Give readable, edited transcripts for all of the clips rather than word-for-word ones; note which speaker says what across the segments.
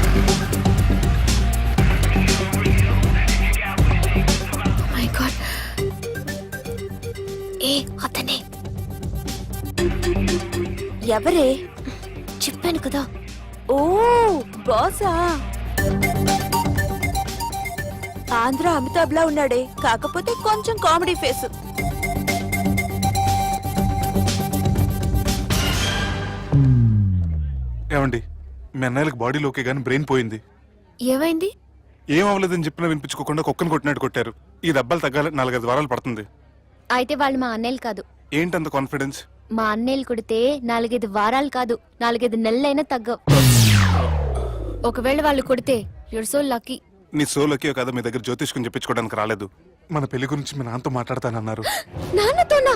Speaker 1: My God, ఏ అతనే.
Speaker 2: ఎవరే?
Speaker 1: చెప్పాను కదా.
Speaker 2: ఓ బాసా. ఆంధ్ర అమితాబ్ లా ఉన్నాడే, కాకపోతే కొంచెం కామెడీ ఫేస్.
Speaker 3: ఏమండి, మీ అన్నయ్యలకు బాడీలో ఓకే గానీ బ్రెయిన్ పోయింది.
Speaker 1: ఏమైంది?
Speaker 3: ఏం అవ్వలేదని చెప్పినా వినిపించుకోకుండా కుక్కను కొట్టినట్టు కొట్టారు. ఈ దెబ్బలు తగ్గాలి 4-5 వారాలు పడుతుంది.
Speaker 1: అయితే వాళ్ళు మా అన్నయ్యలు కాదు.
Speaker 3: ఏంటంత కాన్ఫిడెన్స్?
Speaker 1: మా అన్నయ్యలు కొడితే 4-5 వారాలు కాదు, 4-5 నెలలైనా తగ్గవు. ఒకవేళ వాళ్ళు కొడితే యూర్ సో లక్కీ.
Speaker 3: నీ సోలోకి కదా మీ దగ్గర జ్యోతిష్కం చెప్పించుకోవడానికి రాలేదు. మన పెళ్లి గురించి మీ నాన్నతో మాట్లాడతానన్నారు.
Speaker 1: నాన్నతోనా?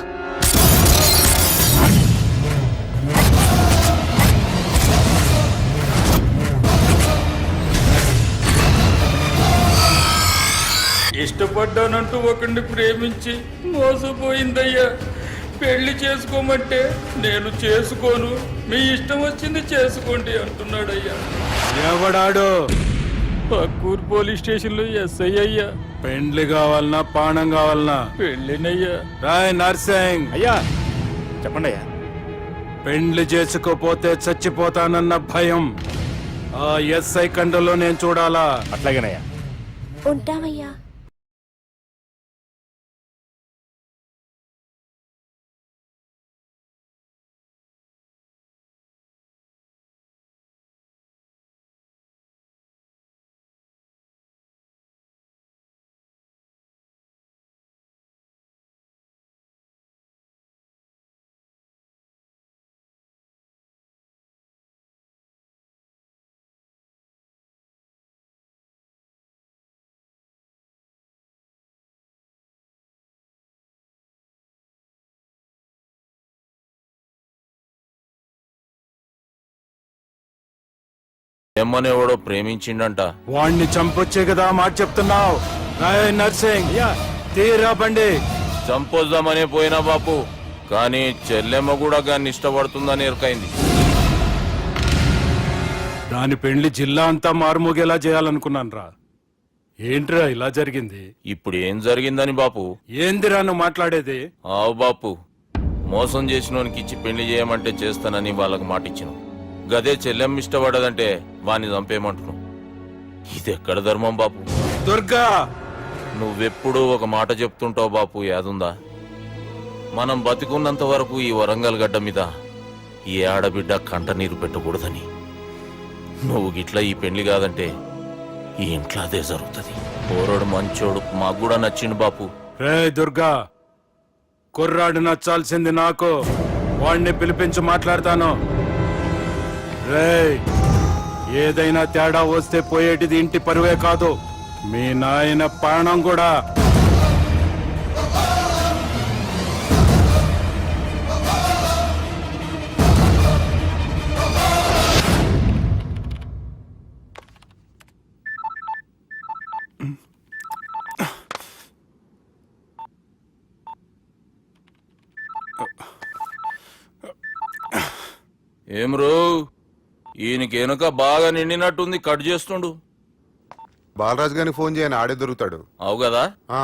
Speaker 4: ఇష్టపడ్డానంటూ ఒకరిని ప్రేమించి మోసపోయిందయ్యా. పెళ్లి చేసుకోమంటే నేను చేసుకోను, మీ ఇష్టం వచ్చింది చేసుకోండి అంటున్నాడయ్యా.
Speaker 5: ఎవడాడు?
Speaker 4: పక్కూరు పోలీస్ స్టేషన్ లో ఎస్ఐ అయ్యా.
Speaker 5: పెండ్లి కావాలనా పానం కావాలనా?
Speaker 4: పెళ్ళినయ్యా.
Speaker 5: రాయ్ నర్సింగ్.
Speaker 6: అయ్యా చెప్పండి అయ్యా.
Speaker 5: పెండ్లి చేసుకోపోతే చచ్చిపోతానన్న భయం ఆ ఎస్ఐ కండలో నేను చూడాలా?
Speaker 6: అట్లాగేనయ్యా.
Speaker 2: ఉంటామయ్యా.
Speaker 7: ఎమ్మనేవాడో ప్రేమించిండంట.
Speaker 5: వాణ్ణి చంపొచ్చే కదా మాట చెప్తున్నావు? రాయ్ నర్సింగ్, తీరా బండి.
Speaker 7: చంపొద్దామనే పోయినా బాపు, కానీ చెల్లెమ్మ కూడా గాన్ని ఇష్టపడుతుందని ఎరకైంది.
Speaker 5: దాని పెండ్లి జిల్లా అంతా మారుమోగేలా చేయాలనుకున్నాను రా. ఏంట్రా ఇలా జరిగింది?
Speaker 7: ఇప్పుడు ఏం జరిగిందని బాపు?
Speaker 5: ఏందిరా నువ్వు మాట్లాడేది?
Speaker 7: ఆవు బాపు, మోసం చేసినోనికి ఇచ్చి పెళ్లి చేయమంటే చేస్తానని వాళ్ళకి మాటిచ్చినావు. గదే చెల్లెమ్మ ఇష్టపడదంటే వాణ్ణి చంపేయమంటున్నావు. ఇది ఎక్కడ ధర్మం బాపు?
Speaker 5: దుర్గా,
Speaker 7: నువ్వెప్పుడూ ఒక మాట చెప్తుంటావు బాపు, యాదుందా? మనం బతికున్నంత వరకు ఈ వరంగల్ గడ్డ మీద ఈ ఆడబిడ్డ కంట నీరు పెట్టకూడదని. నువ్వు గిట్లా ఈ పెళ్లి కాదంటే ఈ ఇంట్లో అదే జరుగుతుంది. పోరోడు మంచోడు, మాకు కూడా నచ్చిండు బాపు.
Speaker 5: రే దుర్గా, కుర్రాడు నచ్చాల్సింది నాకు. వాణ్ణి పిలిపించి మాట్లాడతాను. రేయ్, ఏదైనా తేడా వస్తే పోయేటిది ఇంటి పరువే కాదు, మీ నాయన ప్రాణం కూడా.
Speaker 7: ఏం రో, ఈయనకి వెనుక బాగా నిండినట్టుంది, కట్ చేస్తుండు.
Speaker 8: బాలరాజు గారికి ఫోన్ చేయని, ఆడే దొరుకుతాడు.
Speaker 7: అవు కదా?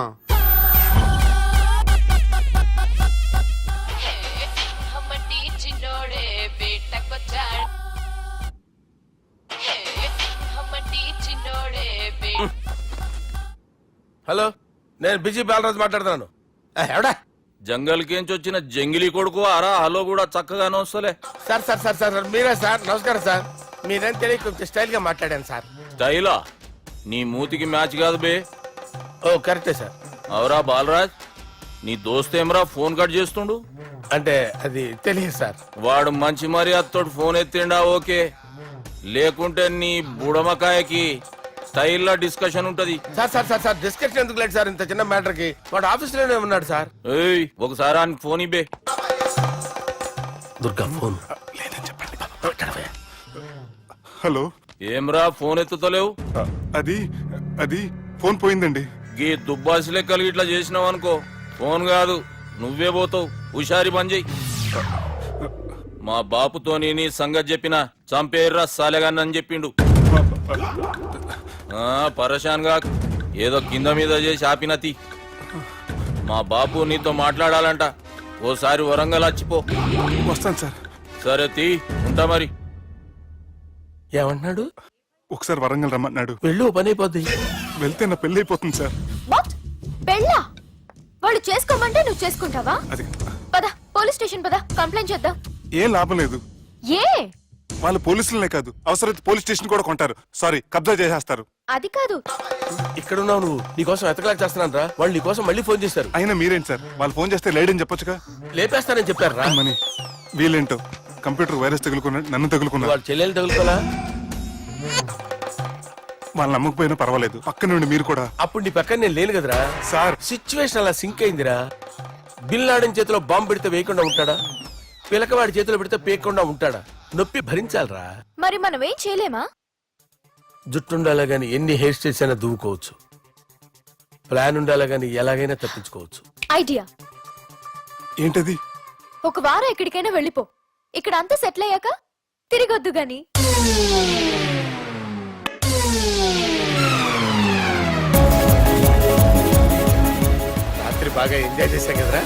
Speaker 6: హలో, నేను బిజీ బాలరాజు మాట్లాడుతున్నాను. ఎవడా?
Speaker 7: జంగల్ కేంచి వచ్చిన జంగిలీ కొడుకు ఆరా. హలో కూడా చక్కగానే వస్తలే.
Speaker 6: సార్ సార్ సార్ సార్ మీరే సార్? నమస్కారం సార్. మీరేం తెలియక కొంచెం స్టైల్ గా మాట్లాడాను సార్.
Speaker 7: స్టైలా? నీ మూతికి మ్యాచ్ కాదు బే.
Speaker 6: ఓ కరెక్టే సార్.
Speaker 7: అవరా బాలరాజ్, నీ దోస్త్ ఏమరా ఫోన్ కట్ చేస్తుండు?
Speaker 6: అంటే అది తెలియదు సార్.
Speaker 7: వాడు మంచి మర్యాదతో ఫోన్ ఎత్తిండా ఓకే, లేకుంటే నీ బుడమకాయకి స్టైల్లో డిస్కషన్ ఉంటది.
Speaker 6: Sir sir sir sir discussion ఎందుకు లేదు సార్? ఇంత చిన్న మ్యాటర్ కి వాడు ఆఫీస్ లోనే ఉన్నాడు సార్.
Speaker 7: ఏయ్, ఒకసారి ఆయన ఫోన్ ఇబ్బే.
Speaker 6: Durga phone
Speaker 3: hello.
Speaker 7: ఏమ్రా ఫోన్ ఎత్తుతలేవు?
Speaker 3: అది అది ఫోన్ పోయిందండి.
Speaker 7: గీ దుబ్బాసి లెక్కలు ఇట్లా చేసినావు అనుకో, ఫోన్ కాదు నువ్వే పోతావు. హుషారి పని చెయ్యి. మా బాపుతో నీ సంగతి చెప్పినా చంపేర్రా సాలెగాన్ని అని చెప్పిండు. పరేషాన్ గా ఏదో కింద మీద చేసి ఆపినతి. మా బాపు నీతో మాట్లాడాలంట. ఓసారి వరంగల్ వచ్చిపో.
Speaker 3: వస్తాను సార్.
Speaker 7: సరే తీ, ఉంటా మరి.
Speaker 6: ఏమంటున్నాడు?
Speaker 3: ఒకసారి వరంగల్ రమ్మన్నాడు.
Speaker 6: వెళ్ళు, పని అయిపోద్ది.
Speaker 3: వెళ్తే నా పెళ్లి అయిపోతుంది సార్.
Speaker 1: వాట్? పెళ్ళా? వాళ్ళు చేసుకోమంటే నువ్వు చేసుకుంటావా?
Speaker 3: అది
Speaker 1: పద, పోలీస్ స్టేషన్ పద, కంప్లైంట్ చేద్దాం.
Speaker 3: ఏం లాభం లేదు.
Speaker 1: ఏ?
Speaker 3: వాళ్ళు పోలీసులనే కాదు, అవసరమైతే పోలీస్ స్టేషన్ కూడా కొంటారు. సారీ, కబ్జా చేసేస్తారు.
Speaker 1: అది కాదు.
Speaker 6: ఇక్కడున్నావు నువ్వు. నీకోసం ఎతకలేక చేస్తున్నాను రా. వాళ్ళు నీకోసం మళ్ళీ ఫోన్ చేశారు.
Speaker 3: అయినా మీరేంటి సార్, వాళ్ళు ఫోన్ చేస్తే లేడని చెప్పొచ్చుగా.
Speaker 6: లేపేస్తానని చెప్పారు రా.
Speaker 3: మని వీళ్ళేంటో కంప్యూటర్ వైరస్ తగులుకున్నాడు, నన్ను తగులుకున్నాడు.
Speaker 6: వాళ్ళ చెల్లెలు తగులుకోలా?
Speaker 3: వాళ్ళు నమ్మకపోయినా పర్వాలేదు, పక్క నుండి మీరు కూడా.
Speaker 6: అప్పుడు నీ పక్కన నేను లేను కదరా.
Speaker 3: సార్
Speaker 6: సిచ్యువేషన్ అలా సింక్ అయిందిరా. బిల్ లాడెన్ చేతిలో బాంబు పెడితే వేయకుండా ఉంటాడా? పిలకవాడి చేతిలో పెడితే పేయకుండా ఉంటాడా? నొప్పి భరించాలరా.
Speaker 1: మరి మనం ఏం చేయలేమా?
Speaker 6: జుట్టుండాలా గాని ఎన్ని హెయిర్ స్టైల్స్ అయినా దువ్వుకోవచ్చు. ప్లాన్ ఉండాలా గాని ఎలాగైనా తప్పించుకోవచ్చు.
Speaker 1: ఐడియా.
Speaker 3: ఏంటది?
Speaker 1: ఒక వారం ఎక్కడికైనా వెళ్ళిపో. ఇక్కడ అంతా సెటిల్ అయ్యాక తిరిగొద్దు గాని.
Speaker 6: రాత్రి బాగా ఎంజాయ్ చేశాం కదరా.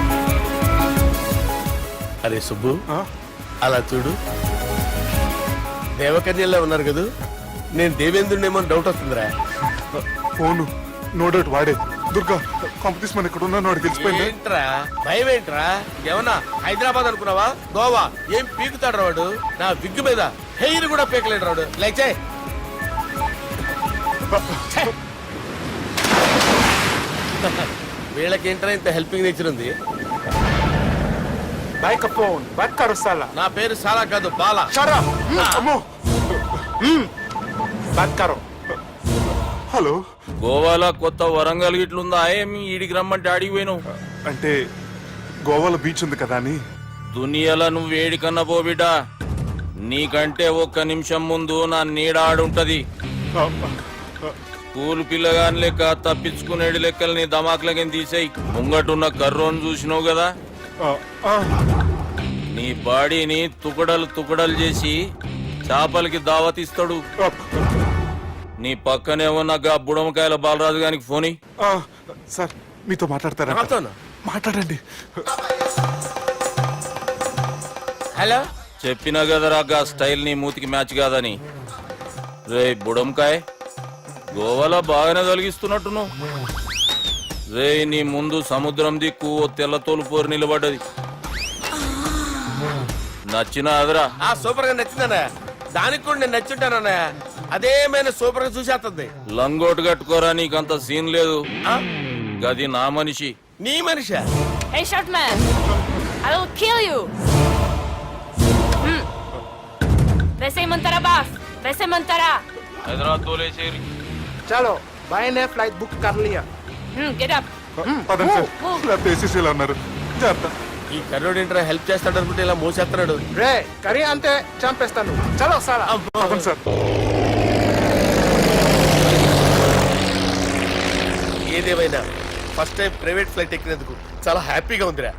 Speaker 6: అరే సుబ్బు,
Speaker 3: ఆ?
Speaker 6: అలా చూడు. దేవకన్యల్లో ఉన్నారు కదా. నేను దేవేంద్రుడేమో డౌట్ వస్తుందిరా.
Speaker 3: ఫోను నో డౌట్ వాడే. దుర్గా కాంపిటీస్ మన ఇక్కడ ఉన్నాను, వాడు తెలిసిపోయింది.
Speaker 6: ఏంట్రా భయం ఏంట్రా? ఏమన్నా హైదరాబాద్ అనుకున్నావా? గోవా ఏం పీకుతాడు వాడు. నా విగ్గు మీద హెయిర్ కూడా పీకలేడు రాడు. లైక్ చేయి. వీళ్ళకేంట్రా ఇంత హెల్పింగ్ నేచర్ ఉంది. నా పేరు సాలా కాదు, బాలా.
Speaker 3: అమ్మో. హలో,
Speaker 7: గోవాలో కొత్త వరంగల్ గిట్లుందా? ఏమి ఈడికి రమ్మంటే ఆడికి పోయినావు?
Speaker 3: అంటే గోవాలో బీచ్ ఉంది కదా అని.
Speaker 7: దునియాలో నువ్వు వేడికన్నా పో బిడ్డ. నీకంటే ఒక్క నిమిషం ముందు నా నీడ ఆడుంటది. స్కూల్ పిల్లగాని లెక్క తప్పించుకునేడు లెక్కలు నీ దమాకులకి తీసేయి. ముంగటున్న కర్రోని చూసినావు కదా, నీ బాడీని తుకడలు తుకడలు చేసి చేపలకి దావతిస్తాడు. నీ పక్కనే ఉన్న గా బుడమకాయల బాలరాజు గారికి ఫోని.
Speaker 3: సార్ మీతో మాట్లాడతారా?
Speaker 6: నాతోనా?
Speaker 3: మాట్లాడండి.
Speaker 6: హలో.
Speaker 7: చెప్పినా కదరా గా స్టైల్ నీ మూతికి మ్యాచ్ కాదని. రే బుడంకాయ్, గోవాలో బాగానే తొలగిస్తున్నట్టు. రే నీ ముందు సముద్రం దిక్కు ఓ తెల్ల తోలుపోరు నిలబడ్డది. నచ్చిన అదరా?
Speaker 6: సూపర్ గా నచ్చిందన్నా. దానికి కూడా నేను నచ్చుంటానన్నా. అదేమైనా సూపర్ గా చూసేస్తుంది.
Speaker 7: లంగోటు కట్టుకోరా, నీకంత సీన్ లేదు. గది నా మనిషి.
Speaker 6: నీ Manisha?
Speaker 2: Hey, short man! I will kill you! वैसे ही मंतरा बास, वैसे मंतरा.
Speaker 7: హైదరాబాద్ తోలేసేరి.
Speaker 9: चलो भाई ने फ्लाइट बुक कर लिया.
Speaker 2: Get up.
Speaker 3: పదండి సార్, లేకపోతే ఏసీసీలో ఉన్నారు. జాగ్రత్త.
Speaker 6: ఈ కర్రోడు ఏంట్రా హెల్ప్ చేస్తాడు అనుకుంటే ఇలా మోసేస్తున్నాడు.
Speaker 9: రే కరీ అంతే చంపేస్తాను. చలో సారా.
Speaker 3: పదండి సార్.
Speaker 6: ఏదేమైనా ఫస్ట్ టైం ప్రైవేట్ ఫ్లైట్ ఎక్కినందుకు చాలా హ్యాపీగా ఉందిరా.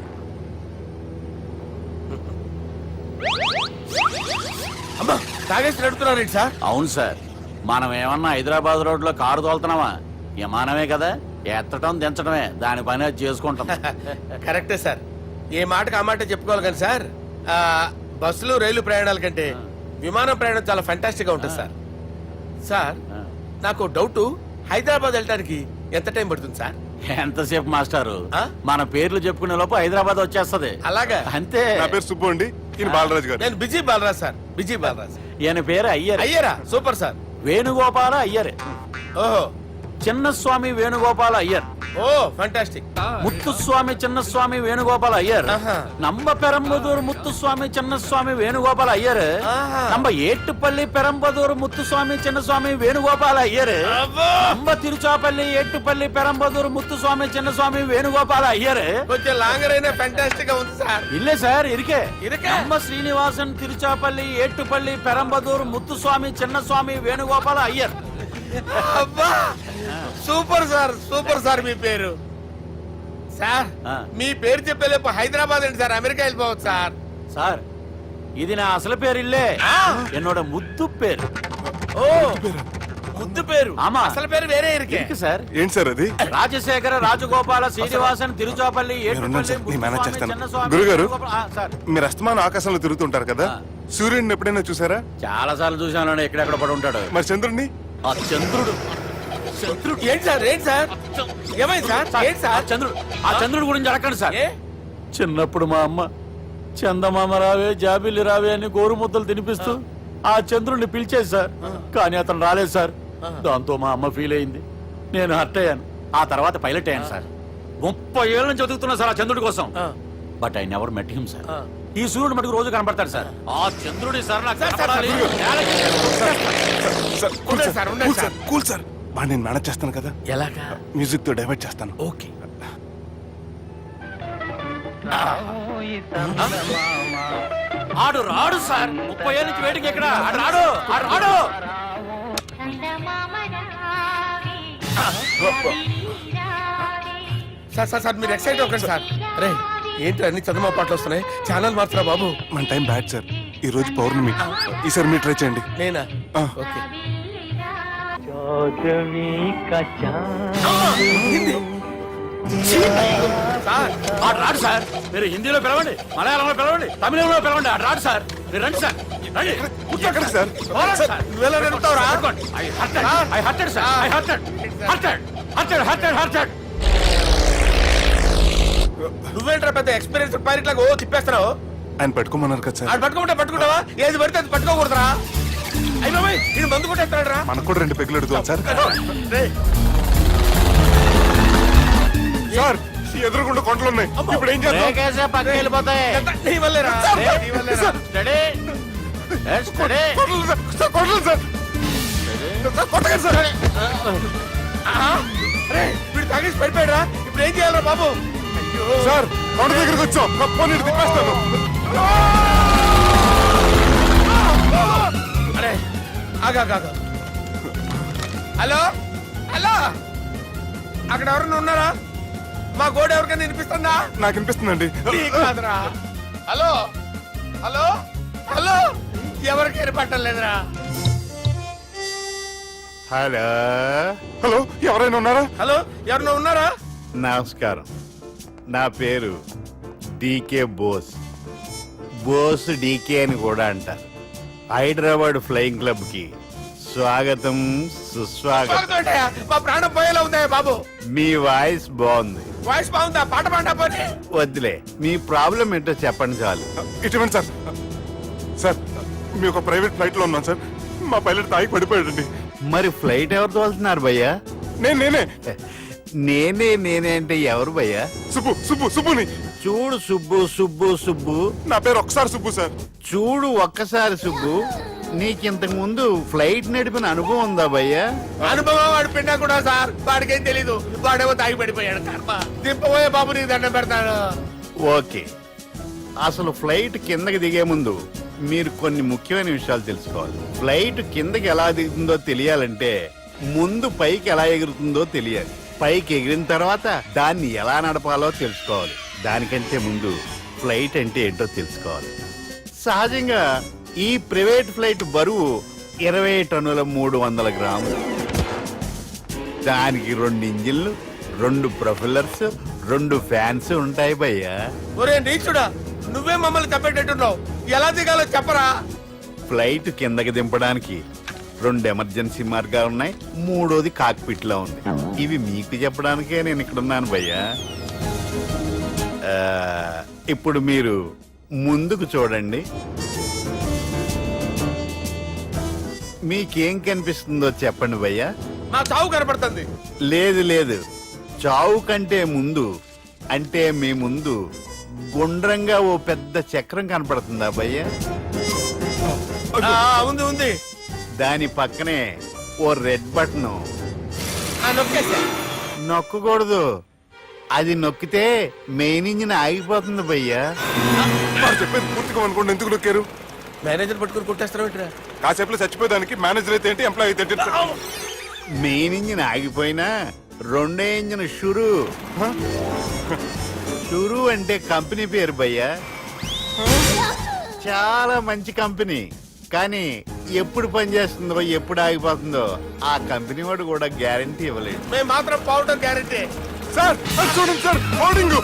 Speaker 6: అమ్మా తాగేసి నడుపుతున్నారేంటి సార్?
Speaker 5: అవును సార్, మనం ఏమన్నా హైదరాబాద్ రోడ్ లో కారు తోలుతున్నామా? విమానమే కదా, ఎత్తడం దించడమే, దాని పని అది చేసుకుంటాం.
Speaker 6: కరెక్టే సార్. ఏ మాటకు ఆ మాట చెప్పుకోవాలి కానీ సార్, బస్సులు రైలు ప్రయాణాల కంటే విమానం ప్రయాణం చాలా ఫంటాస్టిక్ గా ఉంటుంది సార్. సార్ నాకు డౌట్, హైదరాబాద్ వెళ్ళడానికి ఎంత టైం పడుతుంది సార్?
Speaker 5: ఎంతసేపు మాస్టారు, మన పేర్లు చెప్పుకునే లోపు హైదరాబాద్ వచ్చేస్తది.
Speaker 6: అలాగా?
Speaker 5: అంతే.
Speaker 3: నా పేరు సుబ్బు అండి, ఈయన బాలరాజు గారు.
Speaker 6: నేను busy Balaraj sir. Busy Balaraj.
Speaker 5: ఈయన పేరు అయ్యర్.
Speaker 6: అయ్యరా? Super sir.
Speaker 5: వేణుగోపాల అయ్యర్.
Speaker 6: ఓహో.
Speaker 5: చిన్నస్వామి వేణుగోపాల అయ్యర్.
Speaker 6: ఓ ఫంటాస్టిక్.
Speaker 5: ముత్తుస్వామి చిన్నస్వామి వేణుగోపాల అయ్యర్. நம்ம பெரம்பதூர் முத்துசுவாமி சின்னசுவாமி வேணுகோபால் ஐயர். நம்ம ஏட்டுப்பள்ளி பெரம்பதூர் முத்துசுவாமி சின்னசுவாமி வேணுகோபால் ஐயர். நம்ம திருச்சாப்பள்ளி ஏட்டுப்பள்ளி பெரம்பதூர் முத்துசுவாமி சின்னசுவாமி வேணுகோபால் ஐயர்.
Speaker 6: కొంచెం లాంగర్ అయినా ఫంటాస్టిక్ గా ఉంది సార్.
Speaker 5: இல்ல சார், இருக்கே.
Speaker 6: இருக்கே.
Speaker 5: நம்ம ஸ்ரீனிவாசன் திருச்சாப்பள்ளி ஏட்டுப்பள்ளி பெரம்பதூர் முத்துசுவாமி சின்னசுவாమి వేణుగోపాల అయ్యర్.
Speaker 6: అబ్బా సూపర్ సార్, సూపర్ సార్. మీ పేరు సార్, మీ పేరు చెప్పేలేపు హైదరాబాద్ ఏంటి సార్, అమెరికా వెళ్ళిపోవచ్చు సార్.
Speaker 5: సార్ ఇది నా అసలు పేరు ఇల్లే, என்னோட ముద్దు పేరు.
Speaker 6: ఓ ముద్దు పేరు
Speaker 5: ఆమా.
Speaker 6: అసలు పేరు వేరే ఇరికే
Speaker 5: ఇருக்கு సార్
Speaker 3: ఏంటి సార్ అది
Speaker 5: రాజశేఖర రాజగోపాల శ్రీనివాసన్ తిరుచాపల్లి
Speaker 3: మీరున్నాను సార్, నేను మేనేజ్ చేస్తాను.
Speaker 5: చిన్నస్వామి,
Speaker 3: గురుగారు.
Speaker 5: వేణుగోపాల- సార్
Speaker 3: మీరు అస్తమానం ఆకాశంలో తిరుగుతుంటారు కదా సూర్యుడిని ఎప్పుడైనా చూసారా?
Speaker 5: చాలా సార్లు చూశాను ఎక్కడెక్కడ పడి ఉంటాడు
Speaker 3: మరి చంద్రుడిని?
Speaker 5: ఆ చంద్రుడు
Speaker 6: ఏంటి సార్ ఏంటి సార్ ఏమైంది సార్ ఏంటి సార్
Speaker 5: ఆ చంద్రుడు గురించి అడగండి సార్
Speaker 6: ఏ
Speaker 5: చిన్నప్పుడు మా అమ్మ చందమామ రావే జాబిల్లి రావే అని గోరు ముద్దలు తినిపిస్తూ ఆ చంద్రుడిని పిలిచేది సార్ కానీ అతను రాలేదు సార్ దాంతో మా అమ్మ ఫీల్ అయింది నేను హర్ట్ అయ్యాను ఆ తర్వాత పైలట్ అయ్యాను సార్ 30 ఏళ్ళ నుంచి చదువుతున్నా సార్ ఆ చంద్రుడి కోసం but I never met him sir ఈ సూర్యుడు మటుకు రోజు కనపడతాడు సార్ ఆ చంద్రుడి సార్ నాకు కనపడాలి.
Speaker 3: సార్ కూల్
Speaker 6: ఉండండి
Speaker 3: సార్,
Speaker 6: సార్, ఉండండి
Speaker 3: కూల్ సార్, కూల్ సార్. బాగా నేను మేనేజ్ చేస్తాను కదా,
Speaker 6: ఎలాగా
Speaker 3: మ్యూజిక్ తో డైవర్ట్ చేస్తాను.
Speaker 6: ఓకే
Speaker 5: ఆడు రాడు సార్ 30 ఏళ్ళ నుంచి వేటికి ఎక్కడ ఆడు రాడు ఆడు రాడు
Speaker 6: సార్ సార్ సార్ మీరు ఎక్సైట్ అవ్వకండి సార్ అరే ఏంటి అన్ని చదువు పాటలు వస్తున్నాయి ఛానల్ మార్చరా బాబు
Speaker 3: మన టైం బ్యాడ్ సార్, ఈ రోజు పౌర్ణమి. ఈసారి మీరు ట్రై చేయండి.
Speaker 6: నేనా
Speaker 3: ఆ.
Speaker 6: ఓకే సార్
Speaker 5: ఆడు రాడు సార్ మీరు హిందీలో పిలవండి మలయాళంలో పిలవండి తమిళంలో పిలవండి ఆడు రాడు సార్ మీరు రండి సార్ రండి
Speaker 3: ఎక్కడ సార్?
Speaker 5: పోరాడు సార్.
Speaker 6: నువ్వెలా నడుపుతావురా?
Speaker 5: పట్టుకోండి. I hurted, sir. I hurted.
Speaker 6: నువ్వేంట్రా పెద్ద ఎక్స్పీరియన్స్ పైరెట్ లాగా ఓ తిప్పేస్తున్నావు
Speaker 3: ఆయన పెట్టుకోమన్నారు కదా సార్.
Speaker 6: ఆడు పట్టుకుంటే పట్టుకుంటావా ఏది పడితే అది పట్టుకోకూడదురా అయ్యి బాబాయ్ ఇది మందు కొట్టేస్తాడు రా
Speaker 3: మనకు కూడా 2 పెగ్గులు అడుగుతాం సార్. సార్ ఎదురుగుండా కొండలు ఉన్నాయి, ఇప్పుడు ఏం చేద్దాం?
Speaker 5: బ్రేకేసే పక్కకి వెళ్ళిపోతాయి
Speaker 6: నీ వల్లేరా నీ వల్లేరా
Speaker 5: స్టడీ స్టడీ
Speaker 3: కొండలు సార్, సార్, కొండలు సార్. సార్, కొట్టకండి సార్.
Speaker 6: అరే వీడు తాగేసి పడిపోయాడురా ఇప్పుడు ఏం చేయాలరా బాబు అయ్యో
Speaker 3: సార్ కొండ దగ్గరికి వచ్చాం, పోనీ ఇటు తిప్పేస్తాను.
Speaker 6: అరే ఆగా హలో హలో అక్కడ ఎవరన్నా ఉన్నారా మా గోడ ఎవరికైనా వినిపిస్తుందా
Speaker 3: నాకు అనిపిస్తుందండి.
Speaker 6: నీకు కాదురా హలో హలో హలో ఎవరికి ఏర్పట్టలేదురా
Speaker 8: హలో,
Speaker 3: హలో ఎవరైనా ఉన్నారా?
Speaker 6: హలో ఎవరన్నా ఉన్నారా
Speaker 8: నమస్కారం. నా పేరు డీకే బోస్. బోస్ డీకే అని కూడా అంటారు. హైదరాబాద్ ఫ్లయింగ్ క్లబ్ కి స్వాగతం సుస్వాగతం.
Speaker 6: బాగుందయ్యా, మా ప్రాణం పోయేలా ఉందయ్యా బాబు
Speaker 8: మీ వాయిస్ బాగుంది.
Speaker 6: వాయిస్ బాగుందా పాట పాడా పోనీ
Speaker 8: వద్దులే, మీ ప్రాబ్లం ఏంటో చెప్పండి చాలు.
Speaker 3: ఇటువంటి సార్, సార్ మీ ఒక ప్రైవేట్ ఫ్లైట్ లో ఉన్నాం సార్, మా పైలట్ తాగి పడిపోయాడండి.
Speaker 8: మరి ఫ్లైట్ ఎవరు తోలుతున్నారు భయ్యా?
Speaker 3: నేనే
Speaker 8: నేనే అంటే ఎవరు భయ్యా?
Speaker 3: సుబ్బుని.
Speaker 8: చూడు సుబ్బు సుబ్బు సుబ్బు,
Speaker 3: నా పేరు ఒకసారి సుబ్బు సార్.
Speaker 8: చూడు ఒక్కసారి సుబ్బు, నీకింతకు ముందు ఫ్లైట్ నడిపిన అనుభవం ఉందా భయ్యా?
Speaker 6: అనుభవం వాడు పిండా కూడా సార్ వాడికేం తెలీదు వాడేమో తాగి పడిపోయాడు కర్మ దింపబోయే బాబు నీకు దండం పెడతాడు
Speaker 8: ఓకే, అసలు ఫ్లైట్ కిందకి దిగే ముందు మీరు కొన్ని ముఖ్యమైన విషయాలు తెలుసుకోవాలి. ఫ్లైట్ కిందకి ఎలా దిగుతుందో తెలియాలంటే ముందు పైకి ఎలా ఎగురుతుందో తెలియాలి. పైకి ఎగిరిన తర్వాత దాన్ని ఎలా నడపాలో తెలుసుకోవాలి. దానికంటే ముందు ఫ్లైట్ అంటే ఏంటో తెలుసుకోవాలి. సహజంగా ఈ ప్రైవేట్ ఫ్లైట్ బరువు 20 టన్నుల 300 గ్రాములు. దానికి 2 ఇంజిన్లు, 2 ప్రొఫెల్లర్స్, 2 ఫ్యాన్స్ ఉంటాయి భయ్యా.
Speaker 6: ఒరే నీచుడా నువ్వే మమ్మల్ని తప్పేటట్టున్నావు ఎలా దిగాలో చెప్పరా
Speaker 8: ఫ్లైట్ కిందకి దింపడానికి 2 ఎమర్జెన్సీ మార్గాలు ఉన్నాయి, 3వది కాక్పిట్ లో ఉంది. ఇవి మీకు చెప్పడానికే నేను ఇక్కడ ఉన్నాను భయ్యా. ఇప్పుడు మీరు ముందుకు చూడండి. మీకేం కనిపిస్తుందో చెప్పండి భయ్యా.
Speaker 6: మా చావు కనపడుతుంది
Speaker 8: లేదు, చావు కంటే ముందు అంటే మీ ముందు గుండ్రంగా ఓ పెద్ద చక్రం కనపడుతుందా భయ్యా?
Speaker 6: ఉంది
Speaker 8: దాని పక్కనే ఓ రెడ్ బటన్.
Speaker 6: నొక్కేసా
Speaker 8: నొక్కకూడదు, అది నొక్కితే మెయిన్ ఇంజిన్ ఆగిపోతుంది భయ్యా.
Speaker 3: వాడు చెప్పేది పూర్తిగా అనుకోండి, ఎందుకు నొక్కారు?
Speaker 6: మేనేజర్ పట్టుకుని కొట్టేస్తారా
Speaker 3: కాసేపులో చచ్చిపోయేదానికి మేనేజర్ అయితే ఏంటి, ఎంప్లాయ్ అయితే ఏంటి?
Speaker 8: మెయిన్ ఇంజిన్ ఆగిపోయినా 2వ ఇంజిన్ షురు. షురు అంటే కంపెనీ పేరు భయ్యా. చాలా మంచి కంపెనీ, కానీ ఎప్పుడు పనిచేస్తుందో ఎప్పుడు ఆగిపోతుందో ఆ కంపెనీ వాడు కూడా గ్యారంటీ ఇవ్వలేడు.
Speaker 6: మేము మాత్రం పౌడర్ గ్యారెంటీ.
Speaker 3: సార్ అది చూడండి సార్, హోర్డింగ్.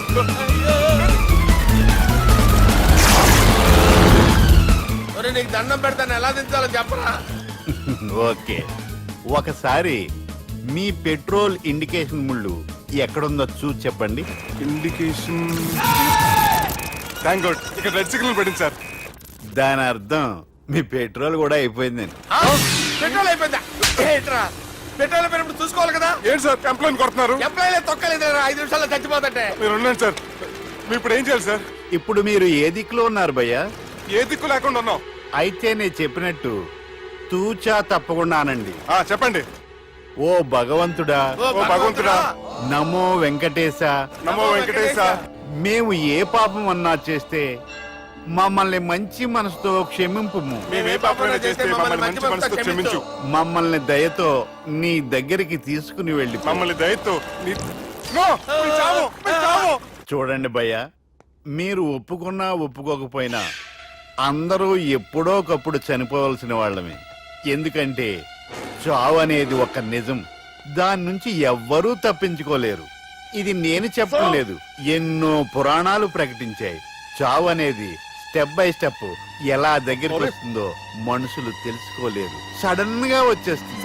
Speaker 6: ఒరేయ్, నీకు దండం పెడతాను, ఎలా దించాలో చెప్పరా?
Speaker 8: ఓకే, ఒకసారి మీ పెట్రోల్ ఇండికేషన్ ముళ్ళు ఎక్కడుందో చూసి చెప్పండి.
Speaker 3: ఇండికేషన్. థ్యాంక్ గాడ్, ఇక్కడ రెడ్ సిగ్నల్ పడింది సార్.
Speaker 8: దాని అర్థం మీ పెట్రోల్ కూడా అయిపోయిందని.
Speaker 6: ఆ? పెట్రోల్ అయిపోయిందా? ఏంట్రా, పెట్రోల్ అయిపోయినప్పుడు చూసుకోవాలి కదా.
Speaker 3: ఏంటి సార్ కంప్లైంట్ కొడుతున్నారు?
Speaker 6: ఎప్పుడైనా తొక్కలేదు, 5 నిమిషాల్లో చచ్చిపోతుంటే.
Speaker 3: మీరు ఉండండి సార్, మీరు ఇప్పుడు ఏం చేయాలి సార్?
Speaker 8: ఇప్పుడు మీరు ఏ దిక్కులో ఉన్నారు భయ్యా?
Speaker 3: ఏ దిక్కు లేకుండా ఉన్నాం.
Speaker 8: అయితే నేను చెప్పినట్టు తూచా తప్పకుండా అనండి.
Speaker 3: చెప్పండి.
Speaker 8: ఓ భగవంతుడా,
Speaker 6: ఓ భగవంతుడా,
Speaker 8: నమో వెంకటేశ,
Speaker 3: నమో వెంకటేశ.
Speaker 8: మేము ఏ పాపం అన్నా చేస్తే మమ్మల్ని మంచి మనసుతో క్షమింపు.
Speaker 3: మేమే పాపమైనా చేస్తే మమ్మల్ని మంచి మనసుతో క్షమించు.
Speaker 8: మమ్మల్ని దయతో నీ దగ్గరికి తీసుకుని వెళ్ళి
Speaker 3: మమ్మల్ని దయతో నో, మీ చావు, మీ చావు.
Speaker 8: చూడండి భయ్య, మీరు ఒప్పుకున్నా ఒప్పుకోకపోయినా అందరూ ఎప్పుడో ఒకప్పుడు చనిపోవలసిన వాళ్ళమే. ఎందుకంటే చావు అనేది ఒక నిజం, దాని నుంచి ఎవ్వరూ తప్పించుకోలేరు. ఇది నేను చెప్పడం లేదు, ఎన్నో పురాణాలు ప్రకటించాయి. చావు అనేది స్టెప్ బై స్టెప్ ఎలా దగ్గరికి వస్తుందో మనుషులు తెలుసుకోలేరు, సడన్ గా వచ్చేస్తుంది.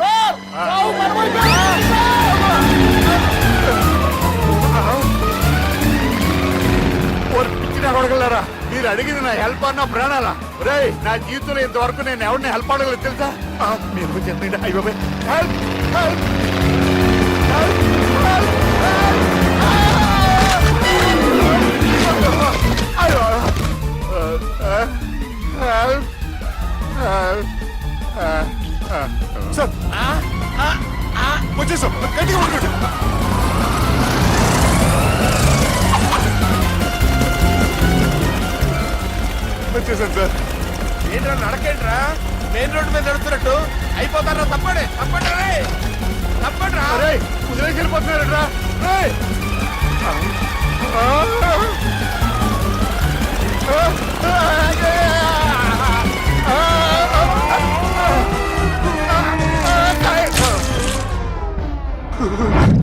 Speaker 8: అడగలరా, మీరు అడిగింది నా హెల్ప్ అన్న ప్రాణాలా? రే, నా జీవితంలో ఇంతవరకు నేను ఎవరిని హెల్ప్ అడగలేదు తెలుసా? మీరు చెప్పండి. అయ్యో హెల్ప్, హెల్ప్,
Speaker 3: సార్ వచ్చేసాం, గట్టిగా పట్టుకోండి. వచ్చేసాను సార్.
Speaker 6: ఏంట్రా నడకేంట్రా, మెయిన్ రోడ్డు మీద నడుస్తున్నట్టు అయిపోతారా? తప్పండి, తప్పండి రే, తప్పండి రా.
Speaker 8: వదిలేసి వెళ్ళిపోతున్నారట.